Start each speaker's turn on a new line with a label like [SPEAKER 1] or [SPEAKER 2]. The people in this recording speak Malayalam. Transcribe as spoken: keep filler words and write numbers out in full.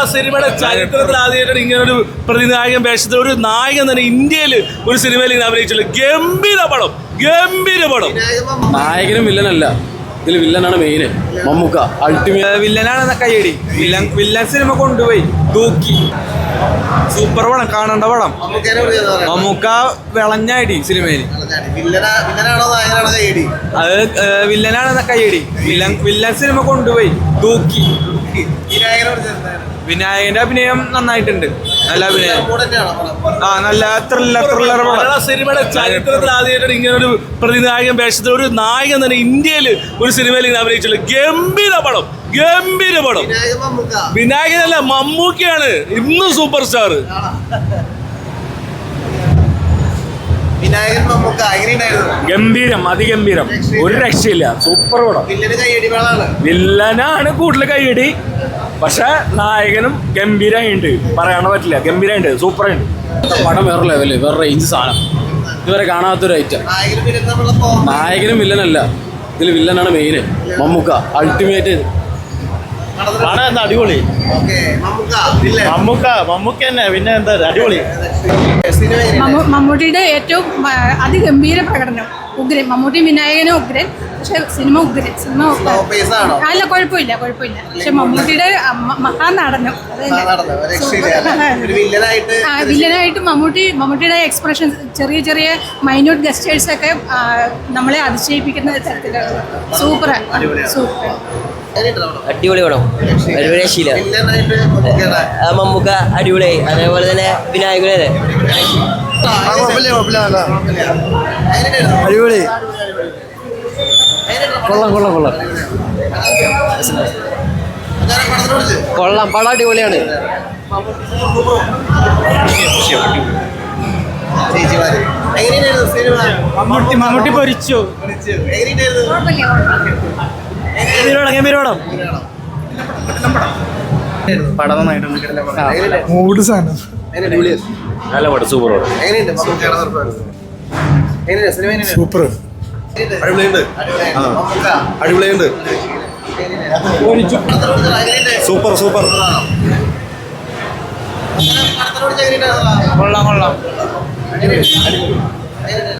[SPEAKER 1] സിനിമയുടെ ചരിത്രത്തിൽ ആദ്യമായിട്ടാണ് ഇങ്ങനെ ഒരു പ്രതിനായകൻ വേഷത്തിൽ ഒരു നായകൻ തന്നെ ഇന്ത്യയിൽ ഒരു സിനിമയിൽ ഇങ്ങനെ അഭിനയിച്ചുള്ളൂ. ഗംഭീര പടം, ഗംഭീര പടം.
[SPEAKER 2] നായകനും വില്ലനല്ല, ഇതിൽ വില്ലനാണ് മെയിന്. മമ്മൂക്ക അൾട്ടിമേറ്റ്
[SPEAKER 3] വില്ലനാണ് കയ്യടി. വില്ലൻ വില്ലൻ സിനിമ കൊണ്ടുപോയി തൂക്കി. സൂപ്പർ പടം, കാണേണ്ട പടം. മമ്മൂക്ക വിളഞ്ഞടി സിനിമയിൽ. അത് വില്ലനാണ് കയ്യടി. വില്ലൻ വില്ലൻ സിനിമ കൊണ്ടുപോയി തൂക്കി. വിനായകന്റെ അഭിനയം നന്നായിട്ടുണ്ട്. നല്ല അഭിനയം. ആ നല്ല ത്രില്ലർ ത്രില്ലർ
[SPEAKER 1] മലയാള സിനിമയുടെ ചരിത്രത്തിൽ ആദ്യമായിട്ടാണ് ഇങ്ങനെ ഒരു പ്രതിനായകൻ വേഷത്തിൽ ഒരു നായകൻ തന്നെ ഇന്ത്യയിൽ ഒരു സിനിമയിൽ ഇങ്ങനെ അഭിനയിച്ചുള്ളൂ. ഗംഭീര പടം, ഗംഭീര പടം. വിനായകനല്ല, മമ്മൂക്കയാണ് ഇന്നും സൂപ്പർ സ്റ്റാർ.
[SPEAKER 2] ഗംഭീരം, അതിഗംഭീരം, ഒരു രക്ഷയില്ല. സൂപ്പർ പടം. വില്ലനാണ് കൂടുതൽ കൈയടി, പക്ഷെ നായകനും ഗംഭീരമായിട്ടുണ്ട്, പറയാൻ പറ്റില്ല. ഗംഭീരമായിട്ടുണ്ട്, സൂപ്പറായിട്ട്. പടം വേറെ ലെവല്, വേറെ റേഞ്ച് സാധനം, ഇതുവരെ കാണാത്തൊരു ഐറ്റം. നായകനും വില്ലനല്ല, ഇതിൽ വില്ലനാണ് മെയിന്. മമ്മൂക്ക അൾട്ടിമേറ്റ്.
[SPEAKER 1] പടം എന്താ അടിപൊളി. മമ്മൂക്ക മമ്മൂക്ക തന്നെ, പിന്നെ എന്താ അടിപൊളി.
[SPEAKER 4] മമ്മൂട്ടിയുടെ ഏറ്റവും അതിഗംഭീര പ്രകടനം. ഉഗ്രൻ. മമ്മൂട്ടി വിനായകനും ഉഗ്രൻ, പക്ഷെ സിനിമ ഉഗ്രൻ. സിനിമ അല്ല, കുഴപ്പമില്ല, കുഴപ്പമില്ല. പക്ഷെ മമ്മൂട്ടിയുടെ മഹാനടനം വില്ലനായിട്ട് മമ്മൂട്ടി മമ്മൂട്ടിയുടെ എക്സ്പ്രഷൻ, ചെറിയ ചെറിയ മൈന്യൂട്ട് ഗസ്റ്റേഴ്സ് ഒക്കെ നമ്മളെ അതിശയിപ്പിക്കുന്ന തരത്തിലാണ്. സൂപ്പർ സൂപ്പർ
[SPEAKER 5] അടിപൊളി പടം, ഒരു രക്ഷയില്ല. മമ്മൂക്ക അടിപൊളിയായി, അതേപോലെ തന്നെ വിനായകനെ
[SPEAKER 3] അടിപൊളി. കൊള്ളാം കൊള്ളാം കൊള്ളാം കൊള്ളാം. പടം അടിപൊളിയാണ്.
[SPEAKER 1] മമ്മൂട്ടി മമ്മൂട്ടി പൊരിച്ചു.
[SPEAKER 3] പടം നന്നായിട്ടുണ്ട്.
[SPEAKER 2] മൂഡ് സാധനം. നല്ല പടം, സൂപ്പർ പടം.
[SPEAKER 3] സൂപ്പർ
[SPEAKER 2] അടിപൊളിയുണ്ട്. Super super.
[SPEAKER 3] കൊള്ളാം കൊള്ളാം.